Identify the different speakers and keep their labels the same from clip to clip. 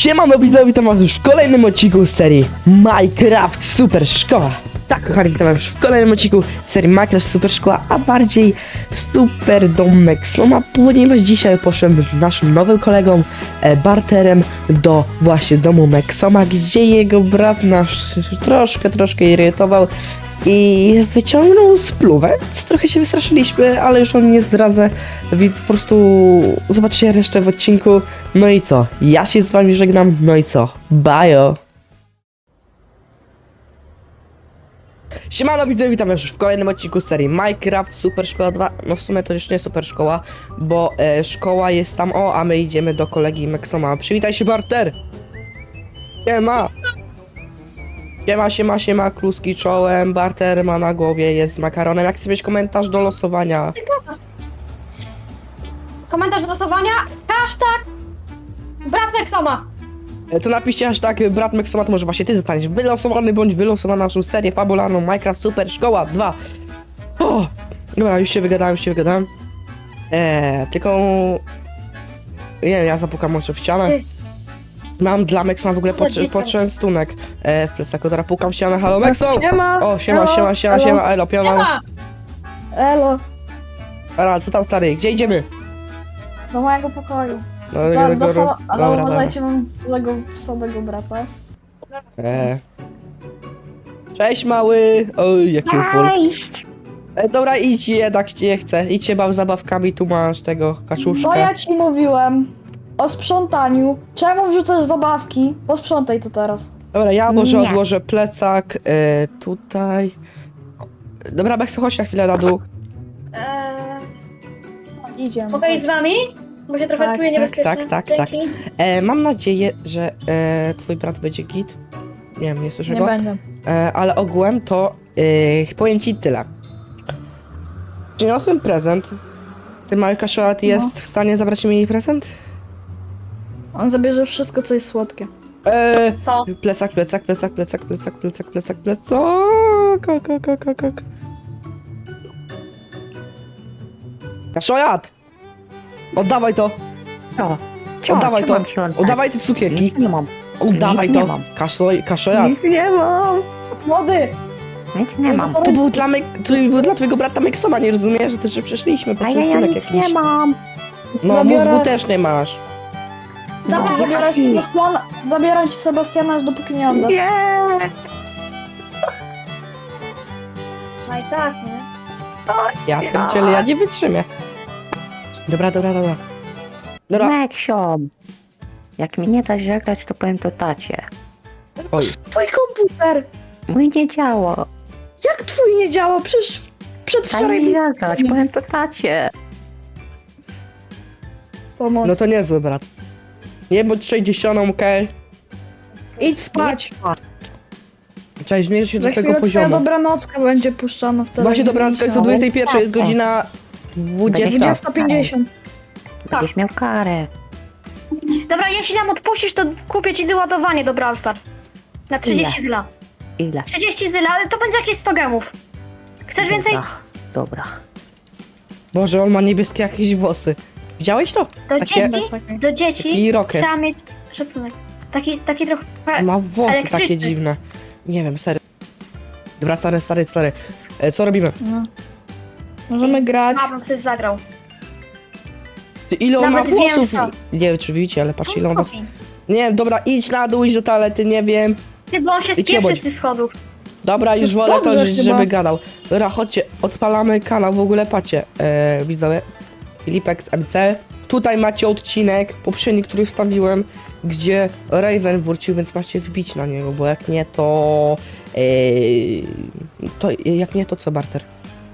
Speaker 1: Siemano widzowie, witam was już w kolejnym odcinku serii Minecraft Super Szkoła. Tak, kochani, witam was już w kolejnym odcinku serii Minecraft Super Szkoła, a bardziej Super Dom Mexoma, ponieważ dzisiaj poszedłem z naszym nowym kolegą Barterem do właśnie domu Mexoma, gdzie jego brat nas troszkę irytował i wyciągnął spluwę, co trochę się wystraszyliśmy, ale już on nie zdradzę, więc po prostu zobaczycie resztę w odcinku. No i co? Ja się z wami żegnam, no i co? Bajo! Siemano widzowie, witam już w kolejnym odcinku serii Minecraft Super Szkoła 2. No w sumie to już nie Super Szkoła, bo szkoła jest tam, a my idziemy do kolegi Mexoma. Przywitaj się, Barter! Siema! Siema, kluski czołem, Barter ma na głowie, jest z makaronem. Jak chcesz mieć komentarz do losowania?
Speaker 2: Komentarz do losowania, hashtag brat Mexoma.
Speaker 1: To napiszcie hashtag brat Mexoma, to może właśnie ty zostaniesz wylosowany bądź wylosowana na naszą serię fabularną Minecraft Super Szkoła 2. O! Dobra, już się wygadałem. Tylko... Nie wiem, ja zapukam może w ścianę. Mam dla Mexona w ogóle poczęstunek w plecaku, teraz pukam w ścianę. Halo Mexo!
Speaker 3: Siema!
Speaker 1: O, siema, elo, piona.
Speaker 2: Siema.
Speaker 3: Elo,
Speaker 1: Dobra, co tam stary, gdzie idziemy?
Speaker 3: do mojego pokoju.
Speaker 1: No,
Speaker 3: Ale
Speaker 1: dobra.
Speaker 3: uważajcie, mam złego, słabego brata.
Speaker 1: Cześć mały! Oj, jaki ufult. Dobra, idź jednak cię chcę. Idź się baw zabawkami, tu masz tego
Speaker 3: Co
Speaker 1: kaczuszka.
Speaker 3: ja ci mówiłem o sprzątaniu? Czemu wrzucasz zabawki? Posprzątaj to teraz.
Speaker 1: Dobra, ja może
Speaker 4: Nie.
Speaker 1: odłożę plecak tutaj. Dobra, Bekso, chodź na chwilę na dół.
Speaker 3: Idziemy.
Speaker 2: Mogę iść z wami? Bo się trochę
Speaker 3: Tak,
Speaker 2: czuję niebezpiecznie.
Speaker 1: tak.
Speaker 2: Dzięki.
Speaker 1: Mam nadzieję, że twój brat będzie git. Nie wiem, nie słyszę
Speaker 3: Nie
Speaker 1: go.
Speaker 3: będę.
Speaker 1: Ale ogółem to powiem ci tyle. Przyniosłem prezent. Ty mały kaszolat jest w stanie zabrać mi jej prezent?
Speaker 3: On zabierze wszystko, co jest słodkie.
Speaker 2: Co?
Speaker 1: Plecak. Kaszojat! Oddawaj to! Oddawaj to! Oddawaj te cukierki!
Speaker 4: Nic nie mam.
Speaker 1: Oddawaj
Speaker 4: Nic nie
Speaker 1: to!
Speaker 4: mam.
Speaker 1: Kaszojat!
Speaker 4: Nic nie mam.
Speaker 3: Młody!
Speaker 4: Nic nie mam.
Speaker 1: To był dla twojego brata Mexoma, nie rozumiesz, że też że przeszliśmy po
Speaker 4: A ja
Speaker 1: częstunek
Speaker 4: nic
Speaker 1: jakiś.
Speaker 4: nie mam.
Speaker 1: No
Speaker 3: Zabiorę-
Speaker 1: mózgu też nie masz.
Speaker 3: Dobra, zabieram ci Sebastiana, aż dopóki nie oddasz.
Speaker 4: Nie.
Speaker 2: Trzeba tak, nie?
Speaker 1: Ja pierdzielę, ja nie wytrzymię. Dobra.
Speaker 4: Meksiom. Jak mi nie da żegnać, to powiem to tacie.
Speaker 1: Oj.
Speaker 3: Twój komputer!
Speaker 4: Mój nie działa.
Speaker 3: Jak twój nie działa? Przecież
Speaker 4: Daj
Speaker 3: przedwczoraj
Speaker 4: mi zagrać, powiem to tacie.
Speaker 3: pomoc.
Speaker 1: No to niezły brat. Nie bądź 60, okej?
Speaker 3: Idź spać.
Speaker 1: Trzeba zmierzyć się
Speaker 3: Za
Speaker 1: do tego
Speaker 3: chwilę twoja
Speaker 1: poziomu.
Speaker 3: dobranocka będzie puszczana w telewizji.
Speaker 1: Właśnie dobranoc, jest o 21, jest godzina 20.
Speaker 3: 20:50.
Speaker 4: Będziesz miał karę.
Speaker 2: Dobra, jeśli nam odpuścisz, to kupię ci doładowanie do Brawl Stars. Na 30 zyla.
Speaker 4: Ile?
Speaker 2: 30 zyla, ale to będzie jakieś 100 gemów. Chcesz więcej?
Speaker 4: Dobra.
Speaker 1: Boże, on ma niebieskie jakieś włosy. Widziałeś to?
Speaker 2: Do
Speaker 1: Takie-
Speaker 2: dzieci, do dzieci
Speaker 1: taki rokes.
Speaker 2: trzeba mieć szacunek. Taki trochę...
Speaker 1: Ma włosy
Speaker 2: elektryczny.
Speaker 1: takie dziwne. Nie wiem, serio. Dobra, stary. Co robimy?
Speaker 3: No. Możemy grać.
Speaker 2: A, bym coś zagrał.
Speaker 1: Ty, ile on
Speaker 2: Nawet
Speaker 1: ma
Speaker 2: wiem,
Speaker 1: włosów?
Speaker 2: co.
Speaker 1: Nie wiem, czy widzicie, ale patrz ile on ma...
Speaker 2: robi?
Speaker 1: Nie wiem, dobra, idź na dół, idź do toalety, nie wiem.
Speaker 2: Ty, bo on się
Speaker 1: Idź
Speaker 2: spieprzy
Speaker 1: jebać.
Speaker 2: z tych schodów.
Speaker 1: Dobra, już
Speaker 3: To
Speaker 1: wolę to,
Speaker 3: dobrze chyba.
Speaker 1: żeby gadał. Dobra, chodźcie, odpalamy kanał, w ogóle patrzcie, widzowie, Filipek z MC. Tutaj macie odcinek poprzedni, który wstawiłem, gdzie Raven wrócił, więc macie wbić na niego, bo jak nie to... jak nie to co, Barter?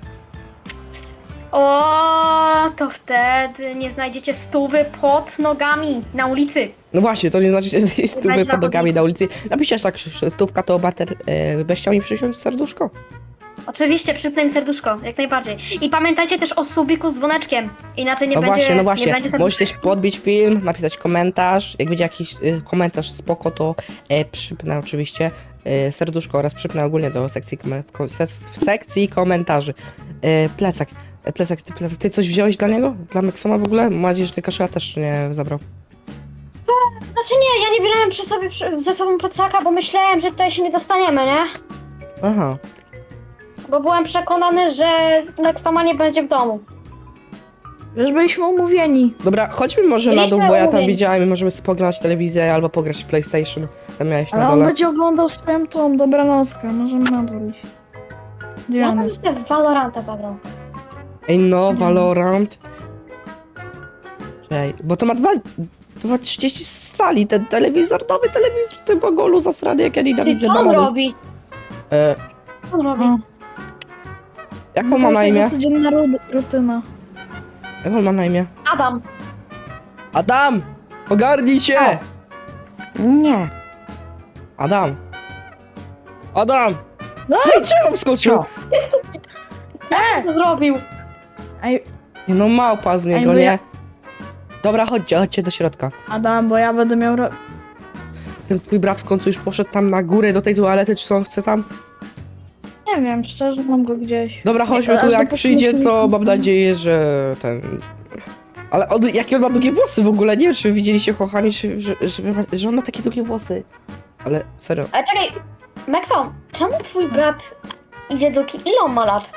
Speaker 2: O, to wtedy nie znajdziecie stówy pod nogami na ulicy.
Speaker 1: No właśnie, to nie znaczy, że jest stówę
Speaker 2: będzie
Speaker 1: pod
Speaker 2: na
Speaker 1: nogami na ulicy. Napiszesz tak, że stówka to Barter, byś chciał mi przysiąść serduszko?
Speaker 2: Oczywiście, przypnę im serduszko, jak najbardziej. I pamiętajcie też o subiku z dzwoneczkiem. Inaczej nie
Speaker 1: No
Speaker 2: będzie,
Speaker 1: właśnie, no
Speaker 2: nie
Speaker 1: właśnie.
Speaker 2: będzie serduszka.
Speaker 1: Możesz też podbić film, napisać komentarz. Jak będzie jakiś komentarz spoko, to przypnę oczywiście serduszko oraz przypnę ogólnie do sekcji, w sekcji komentarzy. Plecak. Ty coś wziąłeś dla niego? Dla Mexoma w ogóle? Mam nadzieję, że ty kaszela też nie zabrał.
Speaker 2: Znaczy nie, ja nie brałem ze sobą plecaka, bo myślałem, że tutaj się nie dostaniemy, nie?
Speaker 1: Aha.
Speaker 2: Bo byłem przekonany, że Nexoma nie będzie w domu.
Speaker 3: Już byliśmy umówieni.
Speaker 1: Dobra, chodźmy może na dół,
Speaker 2: Byliśmy
Speaker 1: bo ja tam
Speaker 2: umówieni.
Speaker 1: widziałem i możemy sobie poglądać telewizję albo pograć w PlayStation. Tam miałeś
Speaker 3: Ale
Speaker 1: na
Speaker 3: on
Speaker 1: dole.
Speaker 3: będzie oglądał swoją tą dobranockę. Możemy na dół iść. Gdzie
Speaker 2: Ja
Speaker 3: on
Speaker 2: tam
Speaker 3: jest?
Speaker 2: jestem w Valoranta zagrał.
Speaker 1: Ej no, Valorant. Czekaj, bo to ma 2,30 z sali, ten telewizor, nowy telewizor, ty bogolu zasrany, jak ja
Speaker 2: Ty,
Speaker 1: nienawidzę
Speaker 2: co on
Speaker 1: bananów.
Speaker 2: robi?
Speaker 1: E,
Speaker 2: Co on robi?
Speaker 3: O,
Speaker 1: jak
Speaker 3: to
Speaker 1: on ma
Speaker 3: jest
Speaker 1: na
Speaker 3: jego
Speaker 1: imię?
Speaker 3: codzienna rutyna.
Speaker 1: Jak on ma na imię?
Speaker 2: Adam.
Speaker 1: Adam! Ogarnij się!
Speaker 4: Nie.
Speaker 1: Adam! Adam!
Speaker 3: No
Speaker 1: No i czemu wskoczył?
Speaker 2: Co to zrobił?
Speaker 3: Ej,
Speaker 1: Nie no, małpa z niego,
Speaker 3: Ej, bo ja-
Speaker 1: nie? Dobra, chodźcie do środka.
Speaker 3: Adam, bo ja będę miał...
Speaker 1: Ten twój brat w końcu już poszedł tam na górę do tej toalety, czy co on chce tam?
Speaker 3: Nie wiem, szczerze mam go gdzieś.
Speaker 1: Dobra, chodźmy
Speaker 3: Aż
Speaker 1: tu, jak
Speaker 3: dopóki
Speaker 1: przyjdzie,
Speaker 3: nie
Speaker 1: to mam
Speaker 3: wstanie.
Speaker 1: nadzieję, że ten... Ale on, jakie on ma długie włosy w ogóle, nie wiem, czy widzieliście, kochani, że on ma takie długie włosy. Ale serio.
Speaker 2: Ale czekaj, Maxo, czemu twój brat idzie ile on ma lat?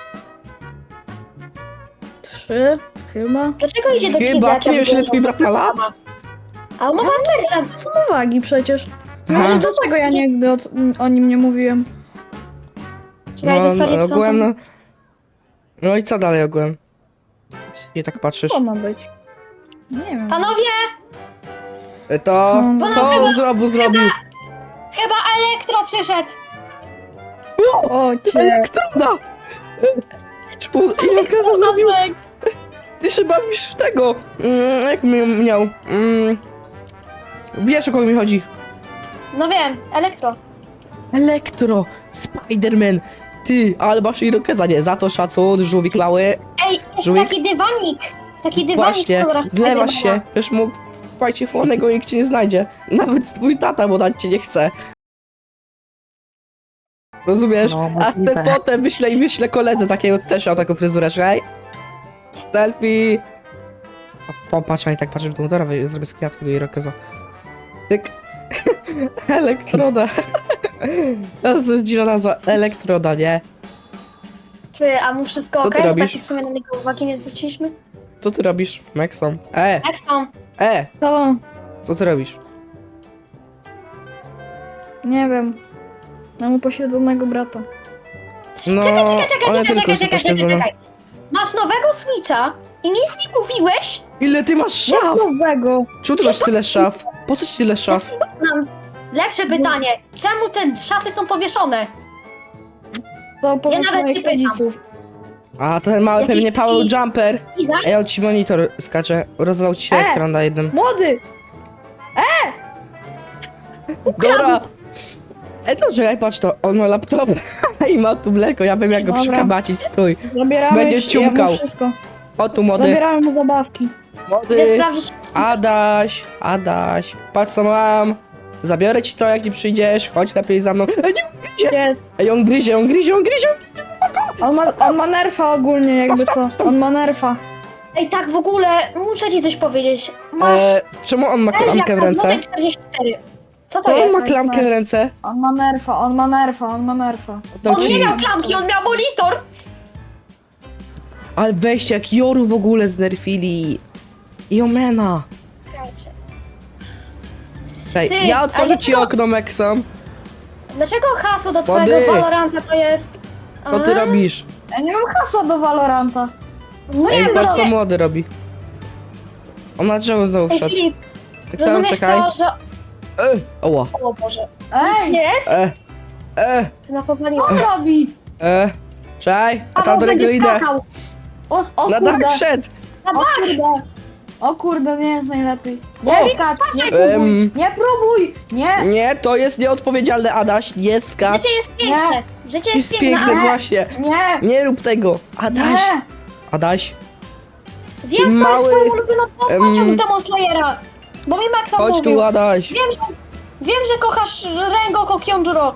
Speaker 3: 3 chyba.
Speaker 2: Dlaczego idzie do
Speaker 1: Chyba,
Speaker 2: kibla?
Speaker 1: ty wiesz, ile twój brat ma lat?
Speaker 2: A on ma pampersa.
Speaker 3: Są uwagi przecież.
Speaker 1: Aha.
Speaker 3: Wiesz, dlaczego ja nigdy o nim nie mówiłem?
Speaker 2: Czekaj, to sprawdzić, co on
Speaker 1: ogółem,
Speaker 2: tam...
Speaker 1: no i co dalej ogółem? Nie tak patrzysz.
Speaker 3: Co ma być? Nie wiem.
Speaker 2: Panowie,
Speaker 1: To,
Speaker 3: Co?
Speaker 1: co on zrobił?
Speaker 2: chyba Elektro przyszedł.
Speaker 3: O cię.
Speaker 1: Elektroda! Jak to zrobił? Ty się bawisz w tego. Jak miał? Wiesz, o kogo mi chodzi?
Speaker 2: No wiem, Elektro.
Speaker 1: Elektro! Spiderman! Ty, ale masz irokeza, nie? Za to szacun, żółwik mały.
Speaker 2: Ej, jeszcze
Speaker 1: Żółwik?
Speaker 2: taki dywanik w
Speaker 1: Właśnie,
Speaker 2: kolorach
Speaker 1: zlewasz
Speaker 2: Spidermana.
Speaker 1: się. Wiesz, mógł wpaść fonego i nikt cię nie znajdzie. Nawet twój tata, bo dać cię nie chce. Rozumiesz?
Speaker 4: No,
Speaker 1: A
Speaker 4: możliwe.
Speaker 1: ten potem wyślę koledze takiego, co też miał taką fryzurę, czekaj. Selfie! Popatrz, a i tak patrzę w tą dobra, zrobię screenshot tego irokeza. Tyk. Elektroda. To jest dziwna nazwa. Elektroda, nie?
Speaker 2: Ty, a mu wszystko
Speaker 1: Co ty
Speaker 2: okej? Bo
Speaker 1: robisz?
Speaker 2: tak w sumie na niego uwagi nie zwróciliśmy.
Speaker 1: Co ty robisz, Maxom?
Speaker 2: Maxo,
Speaker 3: To,
Speaker 1: Co ty robisz?
Speaker 3: nie wiem. Mam upośledzonego brata.
Speaker 1: No,
Speaker 2: czekaj,
Speaker 1: one tylko się pośledzą.
Speaker 2: Masz nowego Switcha i nic nie mówiłeś?
Speaker 1: Ile ty masz szaf?
Speaker 3: Nowego.
Speaker 1: Czemu ty masz tyle szaf? Po co ci tyle szaf?
Speaker 2: Mam lepsze pytanie. Czemu te szafy są powieszone?
Speaker 3: To po
Speaker 2: nawet
Speaker 3: moich
Speaker 2: nie pytam.
Speaker 3: rodziców.
Speaker 1: A ten mały
Speaker 2: Jakiś
Speaker 1: pewnie Paweł
Speaker 2: taki-
Speaker 1: Jumper.
Speaker 2: Iza?
Speaker 1: Ej, on ci monitor skacze. Rozlał ci się ekran na jednym.
Speaker 3: Młody!
Speaker 1: Dobra! To czekaj, patrz to, on ma laptop i ma tu mleko, ja bym jak go
Speaker 3: Dobra.
Speaker 1: przykabacić, stój.
Speaker 3: Zabierałeś,
Speaker 1: Będziesz ciumkał.
Speaker 3: Ja mu wszystko.
Speaker 1: O tu młody,
Speaker 3: Zabierałem mu zabawki.
Speaker 2: Idę
Speaker 1: młody,
Speaker 2: sprawdzić.
Speaker 1: Adaś, patrz co mam. Zabiorę ci to, jak nie przyjdziesz, chodź lepiej za mną. Ej, nie gryzie!
Speaker 3: Jest.
Speaker 1: Ej, on gryzie.
Speaker 3: On ma nerfa ogólnie, jakby co. On ma nerfa.
Speaker 2: Ej, tak w ogóle, muszę ci coś powiedzieć. Masz...
Speaker 1: Czemu on ma
Speaker 2: Ej, jak
Speaker 1: klamkę w
Speaker 2: na
Speaker 1: ręce?
Speaker 2: złotej 44. Co to
Speaker 1: Czemu on
Speaker 2: jest?
Speaker 1: ma klamkę w ręce?
Speaker 3: On ma nerfa, on ma nerfa, on ma nerfa.
Speaker 1: Dam
Speaker 2: On
Speaker 1: ci-
Speaker 2: nie miał klamki, on miał monitor!
Speaker 1: Ale weźcie, jak Joru w ogóle znerfili. I Omena. Czekaj,
Speaker 2: Ty,
Speaker 1: ja otworzę
Speaker 2: ale
Speaker 1: ci
Speaker 2: co?
Speaker 1: okno, Maxom.
Speaker 2: Dlaczego hasło do
Speaker 1: Młody.
Speaker 2: twojego Valoranta to jest...
Speaker 1: Co ty
Speaker 2: A?
Speaker 1: robisz?
Speaker 3: Ja nie mam hasła do Valoranta.
Speaker 2: No
Speaker 1: Ej,
Speaker 2: nie,
Speaker 1: patrz co
Speaker 2: no,
Speaker 1: młody robi. On na drzewo znowu
Speaker 2: Ej,
Speaker 1: wszedł.
Speaker 2: Filip,
Speaker 1: Maxom,
Speaker 2: rozumiesz
Speaker 1: czekaj.
Speaker 2: to, że...
Speaker 1: Oła.
Speaker 2: O Boże. Nic
Speaker 3: Ej,
Speaker 2: nie jest?
Speaker 3: co
Speaker 2: Napowaliłem.
Speaker 3: on robi?
Speaker 1: Czekaj, a
Speaker 2: Paweł
Speaker 1: tam do niego
Speaker 2: będzie
Speaker 1: idę.
Speaker 2: skakał.
Speaker 3: O
Speaker 1: Na
Speaker 3: kurde,
Speaker 1: dach wszedł.
Speaker 2: Na
Speaker 3: o
Speaker 2: dach.
Speaker 3: kurde. O kurde, nie jest najlepiej.
Speaker 1: O!
Speaker 3: Nie skacz, nie próbuj, nie próbuj, nie.
Speaker 1: Nie, to jest nieodpowiedzialne, Adaś. Nie skacz.
Speaker 2: Życie jest piękne. Życie jest
Speaker 1: Jest
Speaker 2: piękne,
Speaker 1: piękne,
Speaker 2: ale
Speaker 1: właśnie.
Speaker 3: Nie,
Speaker 1: Nie rób tego. Adaś.
Speaker 3: nie.
Speaker 1: Adaś.
Speaker 2: wiem, to
Speaker 1: mały-
Speaker 2: jest twoją ulubioną postacią
Speaker 1: em,
Speaker 2: z Demon Slayera. Bo mi Maxa
Speaker 1: Chodź
Speaker 2: mówił.
Speaker 1: tu, Adaś.
Speaker 2: Wiem, że kochasz Rengoku Kyonjuro.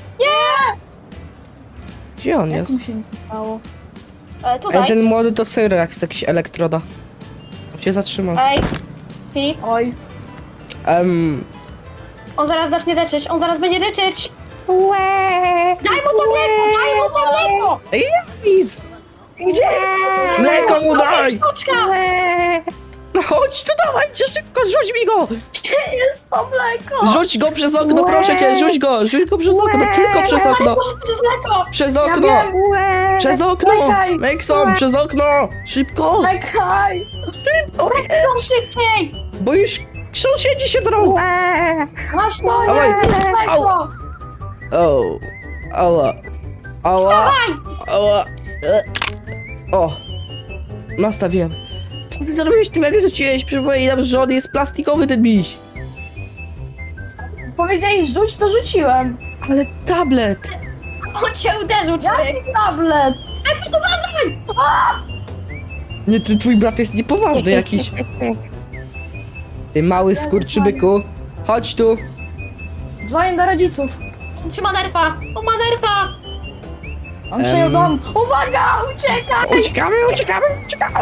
Speaker 1: Gdzie on
Speaker 3: Jak
Speaker 1: jest?
Speaker 3: mu się nie stało?
Speaker 1: Ej,
Speaker 2: Tutaj.
Speaker 1: ten młody to Syrax, jakiś elektroda. On się zatrzymał.
Speaker 2: Ej, Filip,
Speaker 3: Oj,
Speaker 2: On zaraz zacznie leczyć, on zaraz będzie leczyć. Daj mu to mleko, daj mu to mleko!
Speaker 1: Nic!
Speaker 3: Gdzie jest?
Speaker 1: Mleko mu daj!
Speaker 2: Sztuczka!
Speaker 1: No chodź tu, dawajcie szybko, rzuć mi go!
Speaker 3: Gdzie jest to mleko?
Speaker 1: Rzuć go przez okno, proszę cię, rzuć go przez okno, tylko przez
Speaker 2: Ale
Speaker 1: okno!
Speaker 2: proszę, to jest mleko!
Speaker 1: Przez
Speaker 3: Ja
Speaker 1: okno!
Speaker 3: wiem.
Speaker 1: Przez okno!
Speaker 3: Czekaj.
Speaker 1: Mekson, przez okno! Szybko!
Speaker 3: Czekaj.
Speaker 1: O,
Speaker 2: Są szybciej!
Speaker 1: bo już sąsiedzi się drą!
Speaker 3: Masz to,
Speaker 1: Dawaj.
Speaker 3: jest mleko.
Speaker 1: O, ała, ała,
Speaker 2: Dawaj!
Speaker 1: ała. O, nastawiłem. Co ty zrobiłeś? Ty mnie rzuciłeś, przypominam, że on jest plastikowy ten miś.
Speaker 3: Powiedzieli rzuć, to rzuciłem.
Speaker 1: Ale tablet!
Speaker 2: On cię uderzył, człowiek!
Speaker 3: Jaki tablet?
Speaker 2: Maxim, uważaj!
Speaker 1: Nie, twój brat jest niepoważny jakiś. Ty mały skurczybyku, chodź tu.
Speaker 3: Dzwonię do rodziców.
Speaker 2: On trzyma nerfa! On ma nerfa!
Speaker 3: On przejął dom. Uwaga, uciekaj!
Speaker 1: Uciekamy!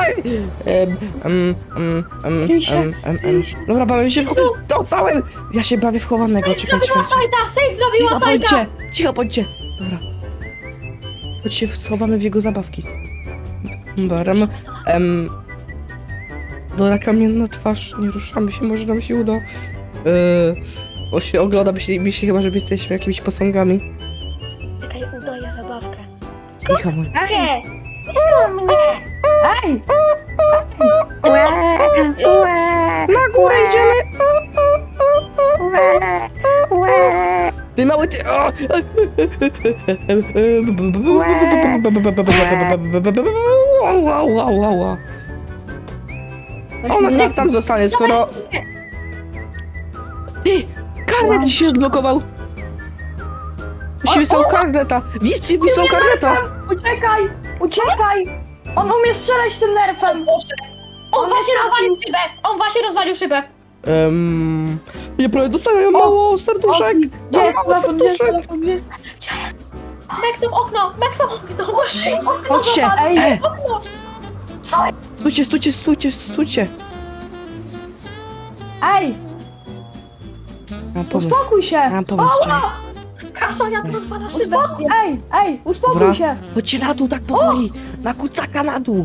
Speaker 3: Kryj się.
Speaker 1: Dobra, bawię się w całym. Ja się bawię w chowanego,
Speaker 2: Sej
Speaker 1: czekajcie.
Speaker 2: zrobiła sajta! Sej zrobiła sajta!
Speaker 1: Cicho bądźcie. Dobra. Chodź się schowamy w jego zabawki. Baram. Dora kamienna twarz, nie ruszamy się, może nam się uda. Bo się ogląda, mi się chyba, że jesteśmy jakimiś posągami.
Speaker 2: Czekaj, udaję zabawkę.
Speaker 1: Cicho bądź.
Speaker 2: Gdzie? Do mnie!
Speaker 3: Ej!
Speaker 1: Na górę idziemy! Ty mały ty! O! Ona niech tam zostanie, skoro...
Speaker 2: Dawaj, szybkie.
Speaker 1: Ty! Karnet ci się odblokował! Musimy są karneta! Widzicie, są karneta!
Speaker 3: Uciekaj! Uciekaj! On umie strzelać tym nerfem!
Speaker 2: Boże. On właśnie rozwalił szybę! On właśnie rozwalił szybę!
Speaker 1: Ja prawie dostałem mało serduszek!
Speaker 3: Gdzie jest
Speaker 1: Mało
Speaker 3: telefon? Gdzie jest
Speaker 1: serduszek!
Speaker 3: telefon? Gdzie jest?
Speaker 2: Maxim, okno! Maxim, okno! Okno,
Speaker 1: Chodźcie!
Speaker 2: zobacz! Okno!
Speaker 1: Stójcie!
Speaker 3: Ej!
Speaker 1: Mam pomysł.
Speaker 3: Uspokój się!
Speaker 1: Mam pomysł, czekaj.
Speaker 2: Kaszonia to rozwala szybę!
Speaker 3: Uspokój! Ej! Uspokój
Speaker 1: Dobra,
Speaker 3: się!
Speaker 1: chodźcie na dół tak powoli! Na kucaka na dół!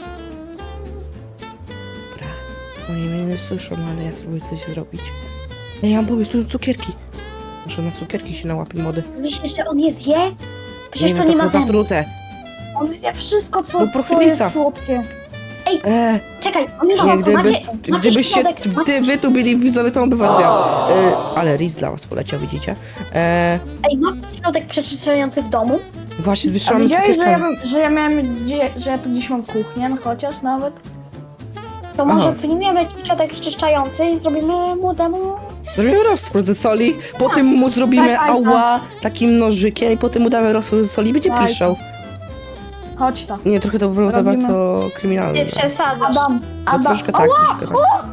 Speaker 1: Dobra, oni mnie nie słyszą, ale ja spróbuję coś zrobić. Ja mam pomysł, tu są cukierki. Może na cukierki się nałapię mody.
Speaker 2: Myślisz, że on je zje? Przecież to
Speaker 1: no
Speaker 2: nie ma zębów.
Speaker 1: zatrute.
Speaker 3: On zje wszystko,
Speaker 1: No,
Speaker 3: co
Speaker 1: profilica.
Speaker 3: jest słodkie.
Speaker 2: Czekaj,
Speaker 1: Nie,
Speaker 2: macie
Speaker 1: gdybyście
Speaker 2: środek,
Speaker 1: wy tu byli widzowie, to by was zjadł. Ale Riz dla was poleciał, widzicie?
Speaker 2: Ej, macie środek przeczyszczający w domu?
Speaker 1: Właśnie
Speaker 3: A
Speaker 1: zwyższamy
Speaker 3: widziałeś,
Speaker 1: cukierkami.
Speaker 3: że ja tu gdzieś mam kuchnię, no chociaż nawet?
Speaker 2: To może
Speaker 1: Aha.
Speaker 2: wyjmiemy ci środek przeczyszczający i zrobimy młodemu...
Speaker 1: Zrobimy roztwór ze soli, potem mu zrobimy
Speaker 3: Tak.
Speaker 1: ała takim nożykiem i potem mu damy roztwór ze soli i będzie
Speaker 3: Tak.
Speaker 1: piszczał.
Speaker 3: Chodź tam.
Speaker 1: Nie, trochę to było za
Speaker 3: Robimy.
Speaker 1: bardzo kryminalne.
Speaker 2: Ty przesadzasz.
Speaker 3: Adam!
Speaker 1: No,
Speaker 3: Adam!
Speaker 1: troszkę tak, troszkę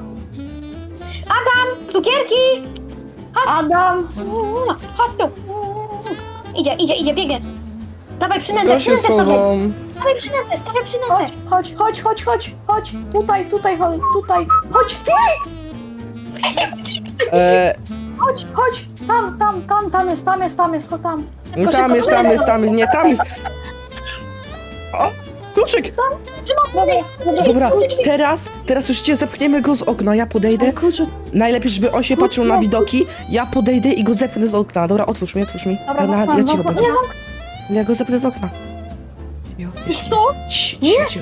Speaker 1: tak.
Speaker 2: Cukierki!
Speaker 3: Adam!
Speaker 2: Chodź tu! Idzie, biegnie. Dawaj przynętę,
Speaker 1: Ja się
Speaker 2: przynętę stawiaj!
Speaker 1: schowam.
Speaker 2: Stawiaj przynętę!
Speaker 3: Chodź! Tutaj, chodź! Chodź! Tam jest, chodź tam!
Speaker 1: Nie, tam jest. O, kluczyk! Dobra, teraz już zepchniemy go z okna, ja podejdę.
Speaker 3: Kluczyk.
Speaker 1: Najlepiej, żeby on się patrzył na widoki, ja podejdę i go zepchnę z okna. Dobra, otwórz mi.
Speaker 3: Dobra,
Speaker 1: Ja cicho
Speaker 3: zamknę.
Speaker 1: będę.
Speaker 3: Nie,
Speaker 1: Ja go zepnę z okna.
Speaker 2: Co?
Speaker 1: Cicho.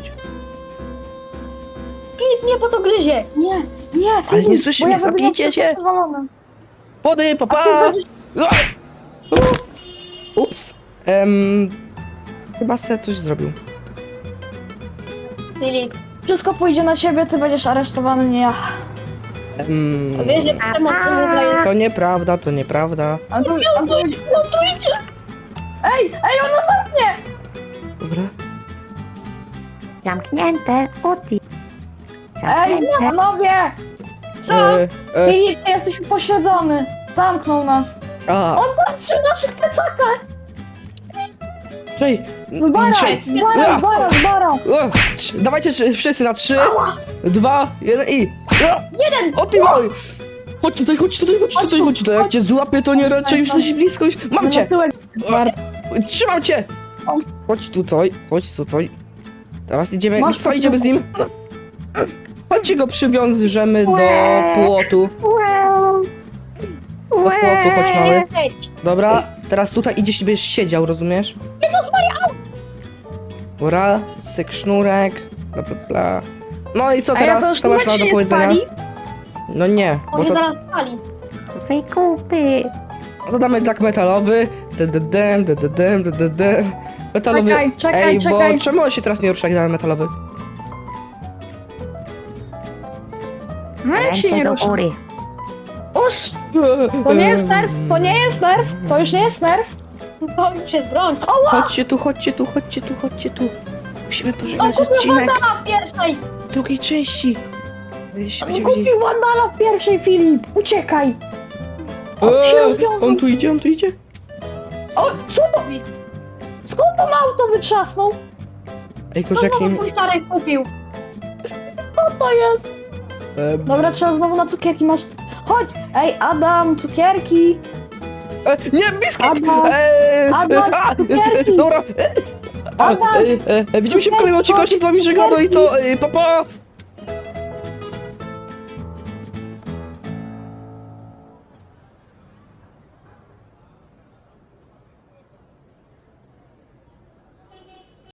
Speaker 2: Filip mnie po to gryzie!
Speaker 3: Nie,
Speaker 1: Ale nie
Speaker 3: Filip,
Speaker 1: słyszy
Speaker 3: bo
Speaker 1: mnie,
Speaker 3: ja zrobię
Speaker 1: zamknijcie
Speaker 3: wszystko
Speaker 1: się.
Speaker 3: przewalone.
Speaker 1: Wody, papa!
Speaker 3: A ty będziesz-
Speaker 1: Ups. Chyba se coś zrobił.
Speaker 2: Filip,
Speaker 3: Wszystko pójdzie na ciebie, ty będziesz aresztowany, nie ja.
Speaker 2: wiesz, że przemoc to w ogóle jest...
Speaker 1: To nieprawda.
Speaker 3: A tu
Speaker 2: Lądujcie!
Speaker 3: Ej, on nas zamknie!
Speaker 1: Dobra.
Speaker 4: Zamknięte, Uti.
Speaker 3: Ej, panowie!
Speaker 2: Co?
Speaker 3: Filip, ty jesteś upośledzony. Zamknął nas. On patrzy w naszych plecakach.
Speaker 1: Czej.
Speaker 3: Zbara.
Speaker 1: Dawajcie wszyscy na 3, 2, 1 i...
Speaker 2: Jeden!
Speaker 1: O ty mały! Chodź tutaj, chodź tutaj, chodź tutaj, chodź tutaj. Jak cię złapię, to nie raczej już jesteś blisko, już... Mam
Speaker 3: Na
Speaker 1: cię!
Speaker 3: tyłek.
Speaker 1: Trzymam cię!
Speaker 3: O.
Speaker 1: Chodź tutaj, chodź tutaj. Teraz idziemy,
Speaker 3: Masz
Speaker 1: co idziemy z nim? Chodźcie go przywiążemy do płotu. Do płotu, chodź mały.
Speaker 2: Lecieć.
Speaker 1: Dobra, teraz tutaj idziesz i będziesz siedział, rozumiesz?
Speaker 2: Jezus Maria,
Speaker 1: Dobra, syk sznurek, bla bla bla. No i co
Speaker 3: A ja
Speaker 1: teraz?
Speaker 3: to
Speaker 1: Co masz
Speaker 3: już
Speaker 1: na do
Speaker 3: się nie
Speaker 1: powiedzenia?
Speaker 3: spali?
Speaker 1: No nie,
Speaker 2: on
Speaker 1: bo
Speaker 2: się
Speaker 1: to,
Speaker 2: zaraz spali.
Speaker 4: Wykupy.
Speaker 1: to damy tak metalowy. Metalowy.
Speaker 3: Czekaj,
Speaker 1: Ej,
Speaker 3: czekaj.
Speaker 1: bo czemu on się teraz nie rusza, jak damy metalowy?
Speaker 3: No jak się nie
Speaker 4: Ręce do
Speaker 3: rusza?
Speaker 4: góry.
Speaker 3: Uż! To nie jest nerw, to nie jest nerw, to już nie jest nerw.
Speaker 2: To już jest broń.
Speaker 1: Chodźcie tu, chodźcie tu, chodźcie tu, chodźcie tu. Musimy
Speaker 2: On
Speaker 1: pożegnać
Speaker 2: kupił
Speaker 1: odcinek
Speaker 2: bandana w pierwszej.
Speaker 1: drugiej części. Będziecie wiedzieli.
Speaker 3: Kupił Wandala w pierwszej, Filip! Uciekaj! On się rozwiązał.
Speaker 1: On tu idzie, on tu idzie.
Speaker 3: O, co to? Skąd on auto wytrzasnął?
Speaker 1: Ej,
Speaker 2: Co
Speaker 1: Koziaki.
Speaker 2: znowu twój stary kupił?
Speaker 3: Co to jest? Dobra, trzeba znowu na cukierki masz. Chodź! Ej, Adam, cukierki!
Speaker 1: Nie, biskit!
Speaker 3: Adam, Adam, cukierki!
Speaker 1: Dobra.
Speaker 3: Adam,
Speaker 1: Widzimy się w kolejnym odcinku, z wami żegnamy i co? Pa, pa!